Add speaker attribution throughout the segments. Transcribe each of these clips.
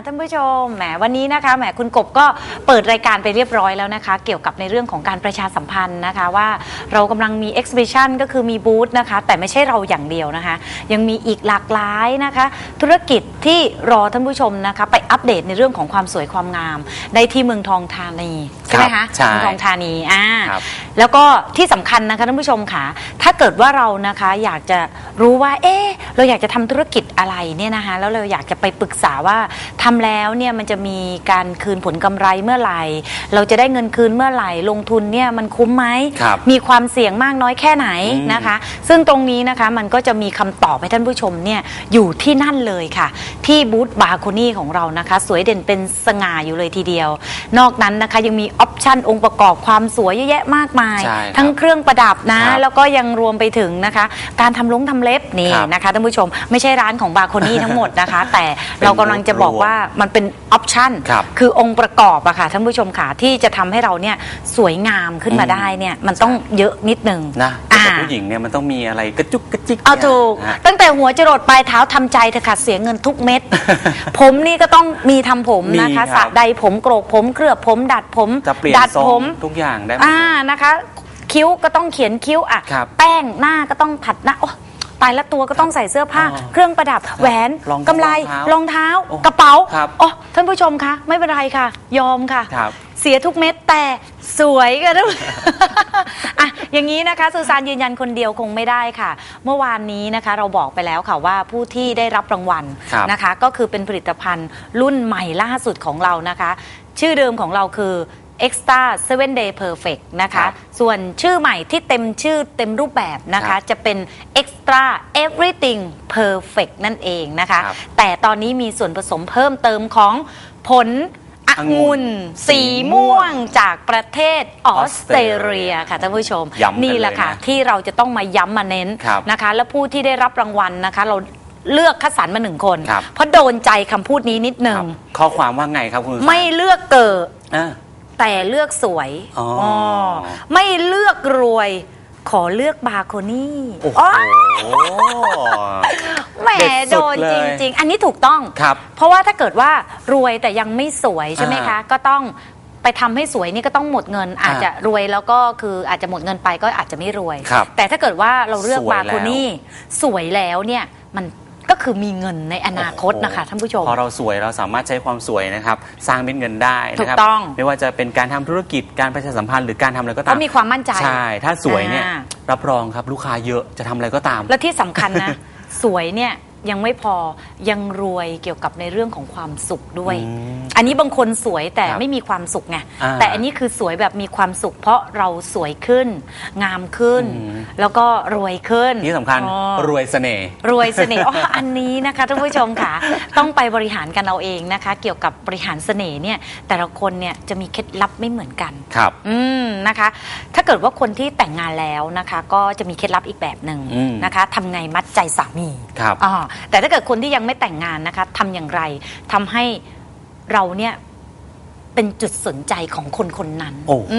Speaker 1: ท่านผู้ชมแหมวันนี้นะคะแหมคุณกบก็เปิดรายการไปเรียบร้อยแล้วนะคะเกี่ยวกับในเรื่องของการประชาสัมพันธ์นะคะว่าเรากำลังมี exhibition ก็คือมีบูธนะคะแต่ไม่ใช่เราอย่างเดียวนะคะยังมีอีกหลากหลายนะคะธุรกิจที่รอท่านผู้ชมนะคะไปอัปเดตในเรื่องของความสวยความงามได้ที่เมืองทองธานีใช่ไหมคะเมืองทองธานีแล้วก็ที่สำคัญนะคะท่านผู้ชมค่ะถ้าเกิดว่าเรานะคะอยากจะรู้ว่าเราอยากจะทำธุรกิจอะไรเนี่ยนะคะแล้วเราอยากจะไปปรึกษาว่าทำแล้วเนี่ยมันจะมีการคืนผลกำไรเมื่อไหร่เราจะได้เงินคืนเมื่อไหร่ลงทุนเนี่ยมันคุ้มไหมมีความเสี่ยงมากน้อยแค่ไหนนะคะซึ่งตรงนี้นะคะมันก็จะมีคำตอบให้ท่านผู้ชมเนี่ยอยู่ที่นั่นเลยค่ะที่บูธบาโคนี่ของเรานะคะสวยเด่นเป็นสง่าอยู่เลยทีเดียวนอกนั้นนะคะยังมีออปชั่นองค์ประกอบความสวยเยอะแยะมากมายทั้งเครื่องประดับนะแล้วก็ยังรวมไปถึงนะคะการทำทำเล็บนี่นะคะท่านผู้ชมไม่ใช่ร้านของบาโคนี่ทั้งหมดนะคะแต่เรากำลังจะบอกว่ามันเป็นออปชั่นคือองค์ประกอบอะค่ะท่านผู้ชมค่ะที่จะทำให้เราเนี่ยสวยงามขึ้นมาได้เนี่ยมันต้องเยอะนิดนึง
Speaker 2: นะแต่ผู้หญิงเนี่ยมันต้องมีอะไรกระจุกกระจิก
Speaker 1: เอาถูกตั้งแต่หัวจรดปลายเท้าทำใจเถอะค่ะเสียเงินทุกเม็ด ผมนี่ก็ต้องมีทำผมนะคะสระใดผมโกรกผมเคลือบผมดัดผม
Speaker 2: ดัดผมทุกอย่างได้
Speaker 1: นะคะคิ้วก็ต้องเขียนคิ้วอ่ะแป้งหน้าก็ต้องผัดหน้าตายละตัวก็ต้องใส่เสื้อผ้าเครื่องประดับแหวนกำไลรองเท้ากระเป๋าท่านผู้ชมคะไม่เป็นไรค่ะยอมค่ะเสียทุกเม็ดแต่สวยกันทุกอ่ะอย่างนี้นะคะซูซานยืนยันคนเดียวคงไม่ได้ค่ะเมื่อวานนี้นะคะเราบอกไปแล้วค่ะว่าผู้ที่ได้รับรางวัลนะคะก็คือเป็นผลิตภัณฑ์รุ่นใหม่ล่าสุดของเรานะคะชื่อเดิมของเราคือ Extra 7 Day Perfect นะคะส่วนชื่อใหม่ที่เต็มชื่อเต็มรูปแบบนะคะจะเป็น Extra Everything Perfect นั่นเองนะคะแต่ตอนนี้มีส่วนผสมเพิ่มเติมของผลองุ่นสีม่วงจากประเทศออสเตรเลียค่ะท่านผู้ชมนี่แหละค่ะที่เราจะต้องมาย้ำมาเน้นนะคะและผู้ที่ได้รับรางวัลนะคะเราเลือกคัดสรรมา1 คนเพราะโดนใจคำพูดนี้นิดนึง
Speaker 2: ข้อความว่าไงครับคุณ
Speaker 1: ไม่เลือกเกิดแต่เลือกสวยไม่เลือกรวยขอเลือกบาโคนี่แหมโดนจริงๆอันนี้ถูกต้องเพราะว่าถ้าเกิดว่ารวยแต่ยังไม่สวยใช่ไหมคะก็ต้องไปทำให้สวยนี่ก็ต้องหมดเงินอาจจะรวยแล้วก็คืออาจจะหมดเงินไปก็อาจจะไม่รวยแต่ถ้าเกิดว่าเราเลือกบาโคนี่สวยแล้วเนี่ยมันก็คือมีเงินในอนาคตนะคะท่านผู้ชม
Speaker 2: พอเราสวยเราสามารถใช้ความสวยนะครับสร้างเป็นเงินได้นะครับถูก
Speaker 1: ต้อง
Speaker 2: ไม่ว่าจะเป็นการทำธุรกิจการประชาสัมพันธ์หรือการทำอะไรก็ตาม
Speaker 1: ก็มีความมั่นใจ
Speaker 2: ใช่ถ้าสวยเนี่ยรับรองครับลูกค้าเยอะจะทำอะไรก็ตาม
Speaker 1: และที่สำคัญนะ สวยเนี่ยยังไม่พอยังรวยเกี่ยวกับในเรื่องของความสุขด้วยอันนี้บางคนสวยแต่ไม่มีความสุขไงแต่อันนี้คือสวยแบบมีความสุขเพราะเราสวยขึ้นงามขึ้นแล้วก็รวยขึ้น
Speaker 2: ที่สำคัญรวยเสน่ห์
Speaker 1: รวยเสน่ห์อันนี้นะคะท่านผู้ชมค่ะต้องไปบริหารกันเอาเองนะคะเกี่ยวกับบริหารเสน่ห์เนี่ยแต่ละคนเนี่ยจะมีเคล็ดลับไม่เหมือนกัน
Speaker 2: ครับ
Speaker 1: นะคะถ้าเกิดว่าคนที่แต่งงานแล้วนะคะก็จะมีเคล็ดลับอีกแบบหนึ่งนะคะทำไงมัดใจสามี
Speaker 2: ครับ
Speaker 1: แต่ถ้าเกิดคนที่ยังไม่แต่งงานนะคะทำอย่างไรทำให้เราเนี่ยเป็นจุดสนใจของคนคนนั้น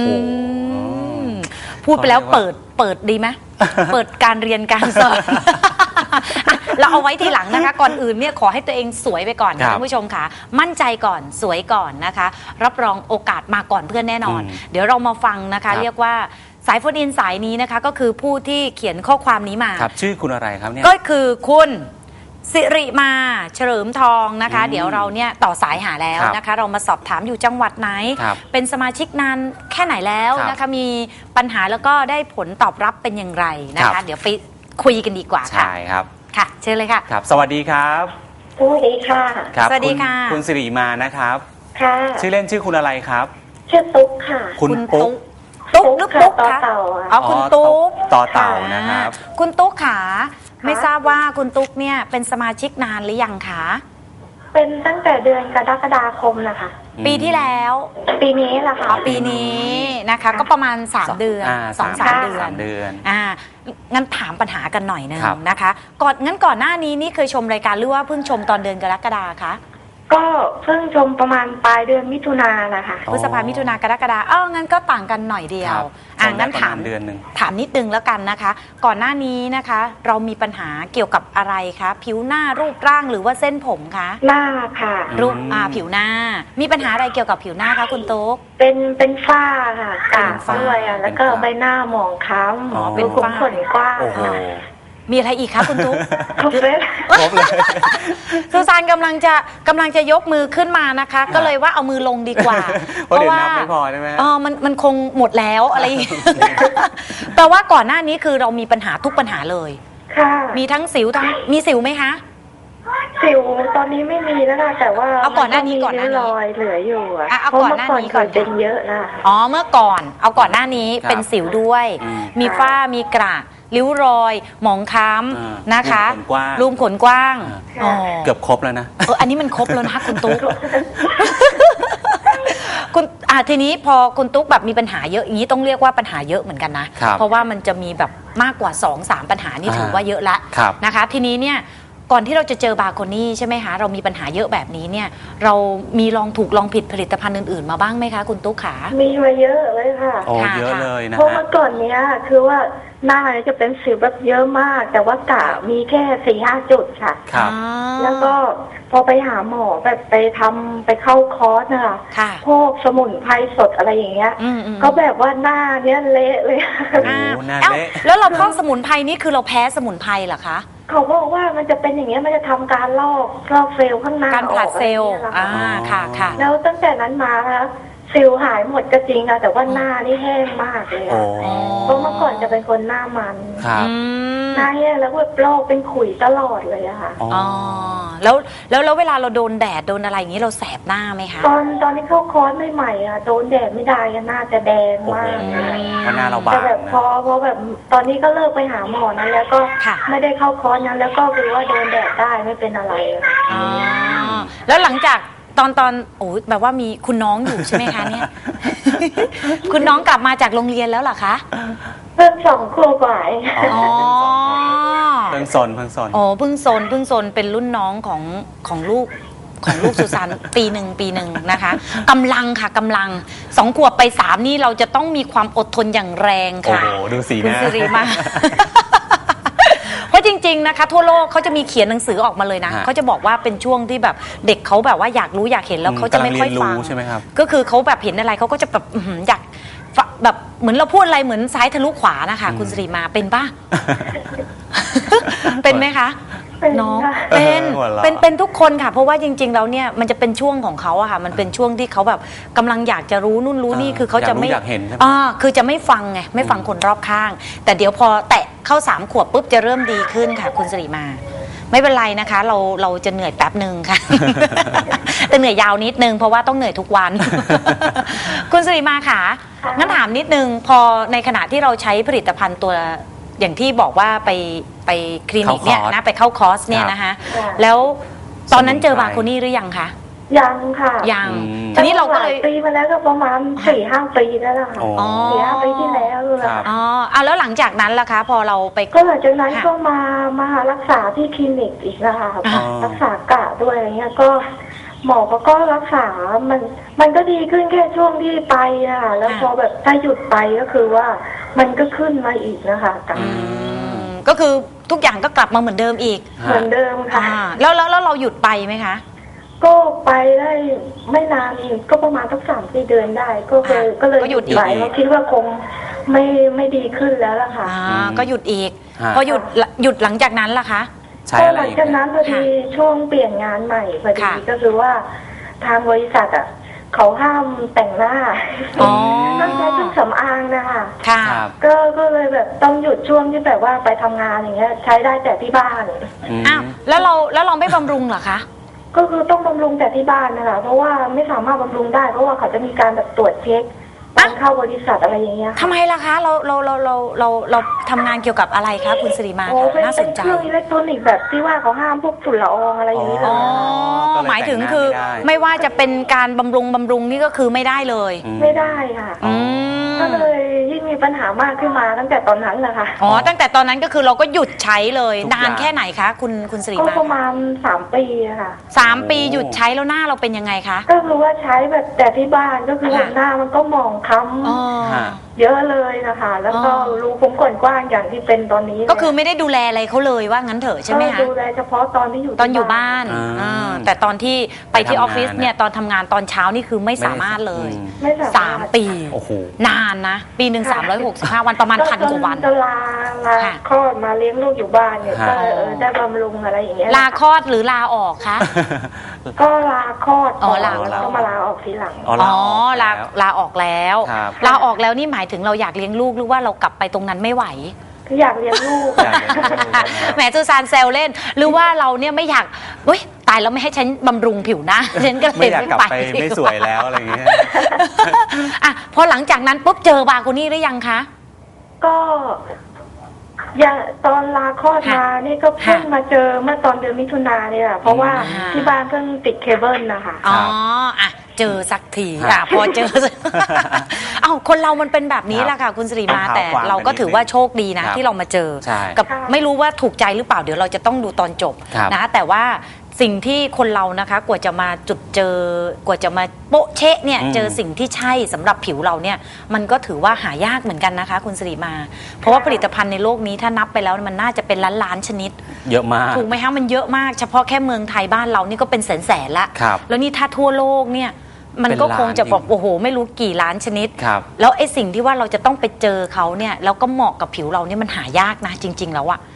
Speaker 1: พูดไปแล้วเปิดดีไหม เปิดการเรียนการสอนเราเอาไว้ทีหลังนะคะก่อนอื่นเนี่ยขอให้ตัวเองสวยไปก่อนท่านผู้ชมค่ะมั่นใจก่อนสวยก่อนนะคะรับรองโอกาสมาก่อนเพื่อนแน่นอนเดี๋ยวเรามาฟังนะคะเรียกว่าสายโฟนอินสายนี้นะคะก็คือผู้ที่เขียนข้อความนี้มา
Speaker 2: ครับชื่อคุณอะไรครับเนี่ย
Speaker 1: ก็คือคุณสิริมาเฉลิมทองนะคะเดี๋ยวเราเนี่ยต่อสายหาแล้วนะคะเรามาสอบถามอยู่จังหวัดไหนเป็นสมาชิกนานแค่ไหนแล้วนะคะมีปัญหาแล้วก็ได้ผลตอบรับเป็นอย่างไรนะคะเดี๋ยวไปคุยกันดีกว่าค่ะ
Speaker 2: ใช่ครับ
Speaker 1: ค่ะเชิญเลยค่ะ
Speaker 2: ครับสวัสดีครับ
Speaker 3: สวัสดีค่ะ
Speaker 1: สวัสดีค่ะ
Speaker 2: คุณสิริมานะครับ
Speaker 3: ค่ะ
Speaker 2: ชื่อเล่นชื่อคุณอะไรครับ
Speaker 3: ชื่อตุ๊กค่ะ
Speaker 2: คุณตุ๊ก
Speaker 1: หรือปุ๊กคะคุณตุ๊ก
Speaker 2: ต่อเต่านะครับ
Speaker 1: คุณตุ๊กค่ะไม่ทราบว่าคุณตุ๊กเนี่ยเป็นสมาชิกนานหรือยังคะ
Speaker 3: เป็นตั้งแต่เดือนกรกฎาคมนะคะ
Speaker 1: ปีที่แล้ว
Speaker 3: ปีนี้แหละค่ะ
Speaker 1: ปีนี้นะคะก็ประมาณ3 เดือน2-3 เดือนงั้นถามปัญหากันหน่อยนึงนะคะก่อนหน้านี้นี่เคยชมรายการหรือว่าเพิ่งชมตอนเดือนกรกฎาคะ
Speaker 3: ก็เพิ่งชมประมาณปลายเดือนมิถุนายนนะคะ
Speaker 2: อ๋อ
Speaker 1: พฤษภามิถุนากรกฎางั้นก็ต่างกันหน่อยเดีย
Speaker 2: คว รับ
Speaker 1: งั้น
Speaker 2: ประ
Speaker 1: ถาม
Speaker 2: ณเดือนหนึ่ง
Speaker 1: ถามนิดนึงแล้วกันนะคะ ก่อนหน้านี้นะคะ เรามีปัญหาเกี่ยวกับอะไรคะผิวหน้ารูปร่างหรือว่าเส้นผมคะ
Speaker 3: หน้าค่ะ
Speaker 1: รูปผิวหน้า มีปัญหาอะไรเกี่ยวกับผิวหน้าคะคุณตุ๊ก
Speaker 3: เป็นฝ้าค่ะกาก
Speaker 1: เป็นฝ้า
Speaker 3: ด้วยอ่ะแล้วก็
Speaker 2: เป็นฝ้า
Speaker 3: ใบหน้าหมองคล้
Speaker 2: อ๋อ
Speaker 3: ำ
Speaker 1: เป็น
Speaker 3: ขุม
Speaker 1: ฝ้า
Speaker 3: ขนกว้าง
Speaker 2: โอ้โห
Speaker 3: ค่ะ
Speaker 1: มีอะไรอีกคะคุณตุ๊ก
Speaker 3: ครบเลย
Speaker 2: ครบเลย
Speaker 1: ซูซานกำลังจะยกมือขึ้นมานะคะ ก็เลยว่าเอามือลงดีกว่า
Speaker 2: เพราะเดี๋ยวนับไม่พอใช่ไหม
Speaker 1: มันคงหมดแล้วอะไรอย่างเงี้ย แปลว่าก่อนหน้านี้คือเรามีปัญหาทุกปัญหาเลย
Speaker 3: ค่ะ
Speaker 1: มีทั้งสิวทั้งมีสิวไหมคะ
Speaker 3: สิวตอนนี้ไม่มีแล้วค่ะแต่ว่า
Speaker 1: เอาก่อนหน้านี้
Speaker 3: มั
Speaker 1: ก่อนหน้านี้
Speaker 3: ริ้วรอยเหลืออยู่อ่ะ
Speaker 1: เอา
Speaker 3: เพราะ
Speaker 1: ก่อน
Speaker 3: เมื่อ
Speaker 1: หน้า
Speaker 3: ก่อน
Speaker 1: นี้
Speaker 3: เค
Speaker 1: ก่อน
Speaker 3: ยเป็นเยอะนะ
Speaker 1: อ๋อเมื่อก่อนเอาก่อนหน้านี้
Speaker 2: ครับ
Speaker 1: เป็นสิวด้วย
Speaker 2: อืม
Speaker 1: มีฝ้ามีกระริ้วรอย หมองคล้
Speaker 2: อ่า
Speaker 1: ำนะคะ
Speaker 2: รูมขนกว้าง
Speaker 1: รูมขนกว้าง
Speaker 3: อ่า
Speaker 1: อ๋อ
Speaker 2: เกือบครบแล้วนะ
Speaker 1: อันนี้มันครบแล้วนะคะคุณตุ๊ก คุณทีนี้พอคุณตุ๊กแบบมีปัญหาเยอะอย่างนี้ต้องเรียกว่าปัญหาเยอะเหมือนกันนะ
Speaker 2: ครับ
Speaker 1: เพราะว่ามันจะมีแบบมากกว่า 2-3 ปัญหานี่ถือว่าเยอะละ
Speaker 2: ครับ
Speaker 1: นะคะ ทีนี้เนี่ยก่อนที่เราจะเจอบาโคนี่ใช่ไหมคะเรามีปัญหาเยอะแบบนี้เนี่ยเรามีลองถูกลองผิดผลิตภัณฑ์อื่นๆมาบ้างไหมคะคุณตุ๊กขา
Speaker 3: มีมาเยอะเลยค่ะ
Speaker 2: โอ้
Speaker 1: ค่ะ
Speaker 2: เยอะเลยนะ
Speaker 3: เพราะ
Speaker 2: ฮะ
Speaker 3: เมื่อก่อนเนี้ยคือว่าหน้าเนี่ยจะเป็นสิวแบบเยอะมาก แต่ว่ากะมีแค่4-5 จุดค่ะ
Speaker 2: ครับ
Speaker 3: แล้วก็พอไปหาหมอแบบไปเข้าคอร์สนะคะ
Speaker 1: ค่ะ
Speaker 3: พวกสมุนไพรสดอะไรอย่างเงี้ย
Speaker 1: อืม
Speaker 3: ก็แบบว่าหน้าเนี้ยเละเลย
Speaker 2: โอ้โห
Speaker 1: อ่า
Speaker 2: หน้า
Speaker 1: เอ้า
Speaker 2: เละ
Speaker 1: แล้วเราพอกสมุนไพรนี่คือเราแพ้สมุนไพรเหรอคะ
Speaker 3: เขาบอกว่ามันจะเป็นอย่างเงี้ยมันจะทำการลอกเซลล์ข้างหน้า
Speaker 1: การผลัดเซลล์
Speaker 3: ออกอะไรอย่างเงี้ยค่ะ
Speaker 1: ค่ะ
Speaker 3: แล้วตั้งแต่นั้นมานะสิวหายหมดก็จริงค่ะแต่ว่าหน้านี่แห้งมากเลย
Speaker 2: โอ้
Speaker 3: อะเพราะเมื่อก่อนจะเป็นคนหน้ามัน
Speaker 2: ครับ
Speaker 1: อืม
Speaker 3: หน้าแห้งแล้วแบบโรคเป็นขุยตลอดเลยอะค่ะ
Speaker 2: อ๋อ
Speaker 1: อ๋อแล้วเวลาเราโดนแดดโดนอะไรอย่างนี้เราแสบหน้าไหมคะ
Speaker 3: ตอนที่เข้าคอร์สใหม่ๆอะโดนแดดไม่ได้อะหน้าจะแดง
Speaker 2: โอ้
Speaker 3: มา
Speaker 2: โห
Speaker 3: ก
Speaker 2: เพราะหน้าเราบา
Speaker 3: แต่
Speaker 2: ง
Speaker 3: แบบ
Speaker 2: นะ
Speaker 3: พอแบบตอนนี้ก็เลิกไปหาหมอนั้นแล้วก็
Speaker 1: ค่ะ
Speaker 3: ไม่ได้เข้าคอร์สนั้นแล้วก็คือว่าโดนแดดได้ไม่เป็นอะไรอะ
Speaker 1: อ๋อแล้วหลังจากตอนโอ้แบบว่ามีคุณน้องอยู่ใช่ไหมคะเนี่ย คุณน้องกลับมาจากโรงเรียนแล้วเหรอคะ
Speaker 3: เพิ่ง2 ขวบกว่าเอง
Speaker 2: อ๋อ
Speaker 1: อ๋อ
Speaker 2: เพิ่งสน
Speaker 1: อ๋อเพิ่งซนเป็นรุ่นน้องของลูกสุสาน ปีหนึ่งนะคะกำลังค่ะกำลัง2 ขวบไป 3นี่เราจะต้องมีความอดทนอย่างแรง
Speaker 2: โอ้
Speaker 1: ค่ะ
Speaker 2: โห ดูสีห
Speaker 1: คุณ
Speaker 2: น้า
Speaker 1: สิริมา เพราะจริงๆนะคะทั่วโลกเขาจะมีเขียนหนังสือออกมาเลยนะ
Speaker 2: ฮะ
Speaker 1: เขาจะบอกว่าเป็นช่วงที่แบบเด็กเขาแบบว่าอยากรู้อยากเห็นแล้วเขาจะไม่ค่อยฟัง
Speaker 2: กำลังเรียนรู้ใช่ไหมครับ
Speaker 1: ก็คือเขาแบบเห็นอะไรเขาก็จะแบบอยากแบบเหมือนเราพูดอะไรเหมือนซ้ายทะลุขวานะคะ คุณสิริมาเป็นป่ะ เป็นไหมคะ
Speaker 3: เป็น
Speaker 1: น้อง
Speaker 3: ค่ะ
Speaker 1: เป็น
Speaker 2: หัวเราะ
Speaker 1: เป็นทุกคนค่ะ เพราะว่าจริงๆแล้วเนี่ยมันจะเป็นช่วงของเขาอะค่ะ มันเป็นช่วงที่เขาแบบกำลังอยากจะรู้นู่นรู้นี่คือเขาจะไม่
Speaker 2: อยากเห็นใช่ไหม
Speaker 1: คือจะไม่ฟังไงไม่ฟังคนรอบข้าง แต่เดี๋ยวพอแตะเข้า3 ขวบปุ๊บจะเริ่มดีขึ้นค่ะ คุณสิริมา ไม่เป็นไรนะคะ เราจะเหนื่อยแป๊บหนึ่งค่ะ แต่เหนื่อยยาวนิดนึงเพราะว่าต้องเหนื่อยทุกวัน คุณสิริมาค่ะ
Speaker 3: ค่ะ
Speaker 1: งั้นถามนิดนึงพอในขณะที่เราใช้ผลิตภัณฑ์ตัวอย่างที่บอกว่าไปคลินิกเนี่ย
Speaker 2: เข้าคอร์ส
Speaker 1: นะไปเข้าคอร์สเนี่ยนะคะ
Speaker 3: ค่ะ
Speaker 1: แล้วตอนนั้นเจอบาโคนี่หรือยังคะ
Speaker 3: ยังค่ะ
Speaker 1: ยัง
Speaker 2: อืม
Speaker 1: ทีนี้เราก็เลย
Speaker 3: หปีมาแล้วก็ประมาณ4-5 ปีแล้วล่ะค่ะ
Speaker 2: โอ้
Speaker 3: 4-5 ปีที่แล้วเลย
Speaker 2: ครับ
Speaker 1: อ๋อแล้วหลังจากนั้นล่ะคะ พอเราไป
Speaker 3: ก็หลังจากนั้น
Speaker 1: ค่ะ
Speaker 3: ก็มารักษาที่คลินิกอีกนะคะ
Speaker 1: อ่า
Speaker 3: รักษากะด้วยอะไรเงี้ยก็หมอก็รักษามันก็ดีขึ้นแค่ช่วงที่ไปอะแล้วพอแบบถ้าหยุดไปก็คือว่ามันก็ขึ้นมาอีกนะคะกะ
Speaker 2: อืม
Speaker 1: ก็คือทุกอย่างก็กลับมาเหมือนเดิมอีก
Speaker 3: เหมือนเดิมค่ะ
Speaker 1: แล้วเราหยุดไปไหมคะ
Speaker 3: ก็ไปได้ไม่นานอีกก็ประมาณสัก3-4 เดือนได้ ก็เลย
Speaker 1: ก็หยุดอีก
Speaker 3: ไปเพราะคิดว่าคงไม่ดีขึ้นแล้วล่ะค่ะ
Speaker 1: ก็หยุดอีก
Speaker 2: ฮะ
Speaker 1: พอหยุดหลังจากนั้นล่ะคะ
Speaker 2: ใช้
Speaker 3: ก็
Speaker 2: อะไร
Speaker 3: หลัง
Speaker 2: อีก
Speaker 3: จากนั้นพอดี
Speaker 1: ค่ะ
Speaker 3: ช่วงเปลี่ยนงานใหม่พอดี
Speaker 1: ค่ะ
Speaker 3: ก็คือว่าทางบริษัทอ่ะเขาห้ามแต่งหน้า
Speaker 1: อ๋อ
Speaker 3: ต้องใช้เครื่องสำอางนะคะ
Speaker 1: ค่ะ
Speaker 2: ครับ
Speaker 3: ก็เลยแบบต้องหยุดช่วงที่แบบว่าไปทำงานอย่างเงี้ย ใช้ได้แต่ที่บ้าน
Speaker 2: ม
Speaker 1: อ้าวแล้วเราไม่บำรุงเหรอคะ
Speaker 3: ก็คือต้องบำรุงแต่ที่บ้านนะคะเพราะว่าไม่สามารถบำรุงได้เพราะว่าเขาจะมีการแบบตรวจเช็คตอนเข้าบริษัทอะไรอย่างเงี้ย
Speaker 1: ทำไมล่ะคะเราทำงานเกี่ยวกับอะไรคะคุณสิริมา
Speaker 3: โอ้เป็น
Speaker 1: น่าสนใจ
Speaker 3: เครื่องอิเล็กทรอนิกส์แบบที่ว่าเขาห้ามพวกฝุ่นละอองอะไรอย่างนี้เล
Speaker 1: อ๋
Speaker 3: ย
Speaker 1: อ
Speaker 2: ก็เลย
Speaker 1: หมายถึง
Speaker 2: แต่งหน้า
Speaker 1: คือ
Speaker 2: ไม่ได้
Speaker 1: ไม่ว่าจะเป็นการบำรุงนี่ก็คือไม่ได้เลย
Speaker 2: อืม
Speaker 3: ไม่ได้ค่ะ
Speaker 1: อืม
Speaker 3: ก็เลยยิ่งมีปัญหามากขึ้นมาตั้งแต่ตอนนั้นแหละค่ะ
Speaker 1: อ๋อตั้งแต่ตอนนั้นก็คือเราก็หยุดใช้เลย
Speaker 2: ทุก
Speaker 1: นาน
Speaker 2: อย่าง
Speaker 1: แค่ไหนคะคุณสิริ
Speaker 3: ก็
Speaker 1: มา
Speaker 3: ประมาณ3 ปีอะค่ะ
Speaker 1: 3 ปีหยุดใช้แล้วหน้าเราเป็นยังไงคะ
Speaker 3: ก็คือว่าใช้แบบแต่ที่บ้านก็คือ
Speaker 1: ค่ะ
Speaker 3: หน้ามันก็หมองคล้
Speaker 1: อ๋อ
Speaker 2: ฮะ
Speaker 3: ำเยอะเลยนะคะ แล้วก็
Speaker 1: อ๋อ
Speaker 3: รูขุมขนกว้างอย่างที่เป็นตอนนี้
Speaker 1: ก็คือไม่ได้ดูแลอะไรเขาเลยว่างั้นเถอะใช่ไหม
Speaker 3: ก็
Speaker 1: คะ
Speaker 3: ดูแลเฉพาะตอนที่อยู่
Speaker 1: ตอนอยู่บ้าน
Speaker 2: อ่า
Speaker 1: อ่าแต่ตอนที่ไปที่ออฟฟิศ
Speaker 2: ไปทำงาน
Speaker 1: เนี่ยตอนทำงานตอนเช้านี่คือไม่สามารถเลย
Speaker 3: ไม่สามารถ
Speaker 1: 3 ปี
Speaker 2: โอ้โห
Speaker 1: นานนะ ปีหนึ่ง365 วันประมาณ1,000 กว่าวัน
Speaker 3: จะลา
Speaker 1: ค่ะ
Speaker 3: คลอดมาเลี้ยงลูกอยู่บ้านเนี่ย
Speaker 2: ฮะ
Speaker 3: ก็ได้บำรุงอะไรอย่างเงี้ย
Speaker 1: ลาคลอดหรือลาออกคะ
Speaker 3: ก็ลาคลอด
Speaker 1: อ๋อลา
Speaker 3: แล้วก็มาลาออกทีหลัง
Speaker 2: อ๋อ
Speaker 1: อ๋อลา
Speaker 2: ลา
Speaker 1: ลาออกแล้ว
Speaker 2: ครับ
Speaker 1: ลาออกแล้วนี่หมายถึงเราอยากเลี้ยงลูกหรือว่าเรากลับไปตรงนั้นไม่ไหว
Speaker 3: คืออยากเลี้ยงลูก
Speaker 2: อยากเลี้ยงลูก
Speaker 1: แหมซูซานแซวเล่น หรือว่าเราเนี่ยไม่อยากเฮ้ยตายแล้วไม่ให้ฉันบำรุงผิวหนะ ฉันก็เล
Speaker 2: ไม่
Speaker 1: ย
Speaker 2: อยาก
Speaker 1: ไม่
Speaker 2: กลับ
Speaker 1: ไป
Speaker 2: ไปไม่สวยแล้วอะไรอย่างเงี้ย
Speaker 1: อ่ะพอหลังจากนั้นปุ๊บเจอบาโกนี่หรือยังคะ
Speaker 3: ก็อย่างตอนลาคลอดมานี่ก็เพิ่ง
Speaker 1: ค่ะ
Speaker 3: มาเจอเมื่อตอนเดือนมิถุนาเนี่ยเพราะว่า
Speaker 1: อ่า
Speaker 3: ที่บ้านเพิ่งติดเคเบิลนะคะ
Speaker 1: อ๋ออ่ะเจอสักที
Speaker 2: ครับ
Speaker 1: อ่ะพอเจอ เอ้าคนเรามันเป็นแบบนี้แหละค่ะ คุณสิริมา
Speaker 2: ต้อง
Speaker 1: แต่
Speaker 2: เท้าความ
Speaker 1: เราก็
Speaker 2: กันนิด
Speaker 1: ถือว่าโชคดีนะ
Speaker 2: ครับ
Speaker 1: ที่เรามาเจอ
Speaker 2: ใช่
Speaker 1: กับ
Speaker 3: ค่ะ
Speaker 1: ไม่รู้ว่าถูกใจหรือเปล่าเดี๋ยวเราจะต้องดูตอนจบ
Speaker 2: ครับ
Speaker 1: นะแต่ว่าสิ่งที่คนเรานะคะกว่าจะมาจุดเจอกว่าจะมาโปะเชะเนี่ย
Speaker 2: อืม
Speaker 1: เจอสิ่งที่ใช่สำหรับผิวเราเนี่ยมันก็ถือว่าหายากเหมือนกันนะคะ คุณสิริมา เพราะว่าผลิตภัณฑ์ในโลกนี้ถ้านับไปแล้วมันน่าจะเป็นล้านๆชนิด
Speaker 2: เยอะมาก
Speaker 1: ถูกไหมคะมันเยอะมากเฉพาะแค่เมืองไทยบ้านเรานี่ก็เป็นแสนๆละ
Speaker 2: ครับ
Speaker 1: แล้วนี่ถ้าทั่วโลกเนี่ยมันก็คงจะแบบ
Speaker 2: เป็นล้าน
Speaker 1: โอ้โหไม่รู้กี่ล้านชนิด
Speaker 2: ครับ
Speaker 1: แล้วไอ้สิ่งที่ว่าเราจะต้องไปเจอเขาเนี่ยแล้วก็เหมาะกับผิวเราเนี่ยมันหายากนะจริง ๆ แล้วอะ